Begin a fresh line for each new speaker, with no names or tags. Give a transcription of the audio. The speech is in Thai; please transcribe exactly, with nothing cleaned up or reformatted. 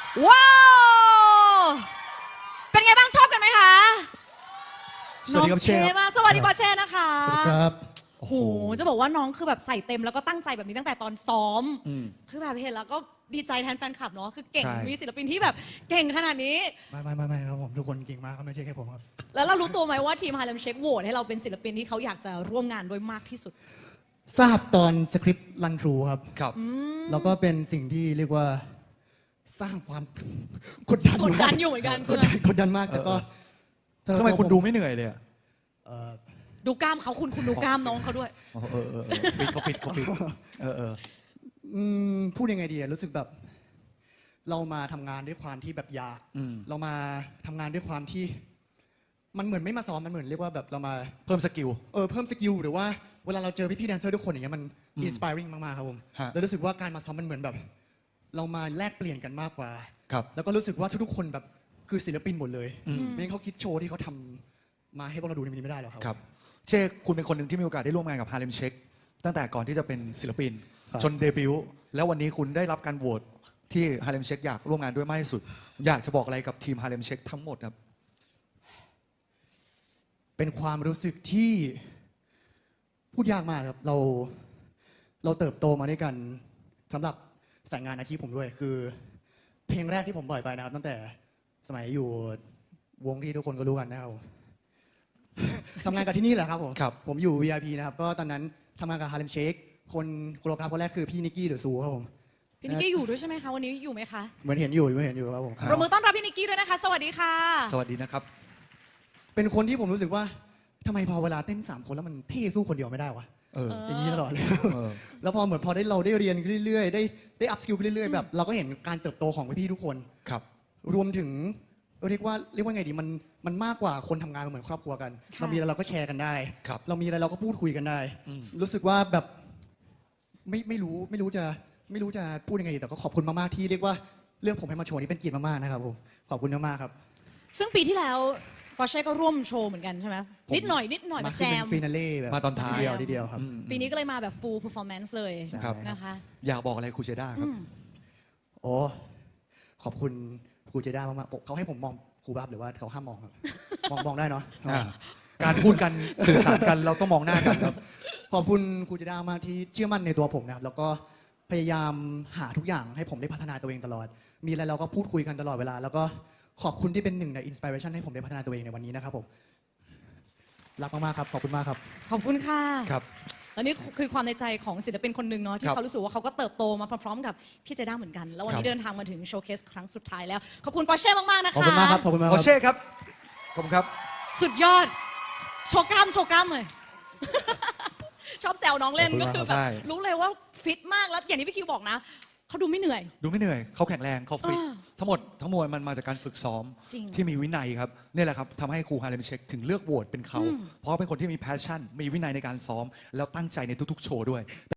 ว้าวเป็นไงบ้างชอบกันไหมคะ
สวัสดีครับเชฟ
น้องท่มากสวัสดีปอเช่นะคะ
สวัสดีครับ
โอ้โหจะบอกว่าน้องคือแบบใส่เต็มแล้วก็ตั้งใจแบบนี้ตั้งแต่ตอนซ้อม
อืม
คือแบบเห็นแล้วก็ดีใจแทนแฟนคลับเนาะคือเก่ง
ใช่
มีศิลปินที่แบบเก่งขนาดนี้
ไม่ไม่ไม่ไม่ครับผมทุกคนเก่งมากครับไม่ใช่แค่ผมครับ
แล้วเรารู้ตัวไหมว่าทีมฮาเลมเชคโหวตให้เราเป็นศิลปินที่เขาอยากจะร่วมงานด้วยมากที่สุด
ทราบตอนสคริปต์รันทรูครับ
ครับ
แล้วก็เป็นสิ่งที่เรียกว่าสร้างความ กดดัน
กดดันอยู่เหมือนกัน
ก
ใช่
ด
ไหม
ดันกดดันมากแต่ก็
ทำไมคุณดูไม่เหนื่อยเลยอะ
เอ่อ
ดูกล้ามเขาคุณคุณดูกล้ามน้องเขาด้วย
เออเออเออปิดเขาปิดเขาปิดเออเออ
อืมพูดยังไงดีอะรู้สึกแบบ เรามาทำงานด้วยความที่แบบอยาก
อืม
เรามาทำงานด้วยความที่ มันเหมือนไม่มาซ้อมมันเหมือนเรียกว่าแบบเรามา
เพิ่มสกิล
เออเพิ่มสกิลหรือว่าเวลาเราเจอพี่ๆแดนเซอร์ทุกคนอย่างเงี้ยมัน
อืม
อินสปายริ่งมากๆครับผม
ฮะ
แล้วรู้สึกว่าการมาซ้อมมันเหมือนแบบ เรามาแลกเปลี่ยนกันมากกว่า
ครับ
แล้วก็รู้สึกว่าทุกๆคนแบบคือศิลปินหมดเลย
อืม
ไม่งั้นเขาคิดโชว์ที่เขาทำมาให้พวกเราดูในวันนี้ไม่ได้หรอกครับ
ครับ เชคคุณเป็นคนหนึ่งที่มีโอกาสได้ร่วมงานกับฮาเลมเชคตั้งแต่ก่อนที่จะเป็นศิลปิน
ครับ
จนเดบิวต์แล้ววันนี้คุณได้รับการโหวตที่ฮาเลมเชคอยากร่วมงานด้วยมากที่สุด อยากจะบอกอะไรกับทีมฮาเลมเชคทั้งหมดครับ
เป็นความรู้สึกที่พูดยากมากครับ เราเราเติบโตมาด้วยกันสำหรับสายงานอาชีพผมด้วย คือ เพลงแรกที่ผมปล่อยไปนะครับ ตั้งแต่สมัยอยู่วงที่ทุกคนก็รู้กันนะครับผม ทำงานกับที่นี่แหละครับผม
ครับ
ผมอยู่ วี ไอ พี นะครับ ก็ตอนนั้นทำงานกับฮาเลมเชคคนโคโรกราฟคนแรกคือพี่นิกกี้เดอะซูครับผม
พี่นิกกี้อยู่ด้วยใช่ไหมคะวันนี้อยู่ไหมคะ
เหมือนเห็นอยู่เหมือนเห็นอยู่ครับผม
ครับ
ปรบมือต้อนรับพี่นิกกี้ด้วยนะคะ สวัสดีค่ะ
สวัสดีนะครับ
เป็นคนที่ผมรู้สึกว่าทำไมพอเวลาเต้นสามคนแล้วมันเท่สู้คนเดียวไม่ได้วะ
เออ
อย่างนี้ตลอดเลย
เออ
แล้วพอเหมือนพอได้เราได้เรียนเรื่อยๆ ได้ได้อัพสกิลไปเรื่อยๆ แบบเราก็เห็นการเติบโตของพี่ๆทุกคน
ครับ
รวมถึงเรียกว่าเรียกว่าไงดีมันมันมากกว่าคนทำงานมันเหมือนครอบครัวกัน
ค่ะ
เรามีอะไรเราก็แชร์กันได้
ครับ
เรามีอะไรเราก็พูดคุยกันได้
อืม
รู้สึกว่าแบบไม่ไม่รู้ไม่รู้จะไม่รู้จะพูดยังไงดีแต่ก็ขอบคุณมากๆที่เรียกว่าเรื่องผมให้มาโชว์นี้เป็นเกียรติมากๆนะครับผมขอบคุณมากๆครับ
ซึ่งปีที่แล้วปอเช่ก็ร่วมโชว์เหมือนกันใช่ไหม
ผม
นิดหน่อยนิดหน่อยแบ
มา
บ
คื
แจ
อเป็
ม
นฟินาเล่แบบ
มาตอนท้าย
ทีเดียวทีเดียวครับ
อืม
ปีนี้ก็เลยมาแบบ full performance เลย
ครับ
นะคะ
อยากบอกอะไรครูเจด้าครับ
อืม
โอ้ขอบคุณครูเจด้ามากๆเขาให้ผมมองครูบับหรือว่าเขาห้ามมองครับ มองมองได้เนาะ
อ่าการพูดกันสื่อสารกันเราต้องมองหน้ากันครับ
ขอบคุณครูเจด้ามากที่เชื่อมั่นในตัวผมนะครับแล้วก็พยายามหาทุกอย่างให้ผมได้พัฒนาตัวเองตลอด มีอะไรเราก็พูดคุยกันตลอดเวลา แล้วก็ขอบคุณที่เป็นหนึ่งในอินสปิเรชันให้ผมได้พัฒนาตัวเองในวันนี้นะครับผมรักมากๆครับขอบคุณมากครับ
ขอบคุณค่ะ
ครับ
และนี่คือความในใจของศิลปินคนหนึ่งเนาะ
ค
ที่
รับ
เขารู้สึกว่าเขาก็เติบโตมาพร้อมๆกับพี่เจด้าเหมือนกัน แล้ววัน
ค
นี้
รับ
เดินทางมาถึงโชว์เคสครั้งสุดท้ายแล้ว ขอบคุณปอเช่มากๆนะคะ
ขอบคุณมากครับขอบคุณมาก
ข
ค
อ
รับ
เช่ครับ ขอบคุณครับ
สุดยอด โชว์กล้ามโชว์กล้ามหน่อย ชอบแซวน้องเล่น
ขอบคุ
ก็
ณมาก
คือ
ใช่
แบบรู้เลยว่าฟิตมากแล้วอย่างที่พี่คิวบอกนะเขาดูไม่เหนื่อย
ดูไม่เหนื่อยเขาแข็งแรงเขาฟิต
อ่า
ทั้งหมดทั้งมวลมันมาจากการฝึกซ้อม
จริง
ที่มีวินัยครับนี่แหละครับทำให้ครูฮาเลมเชคถึงเลือกโหวตเป็นเขา
อืม
เพราะเป็นคนที่มีแพชชั่น มีวินัยในการซ้อม แล้วตั้งใจในทุกๆ โชว์ด้วย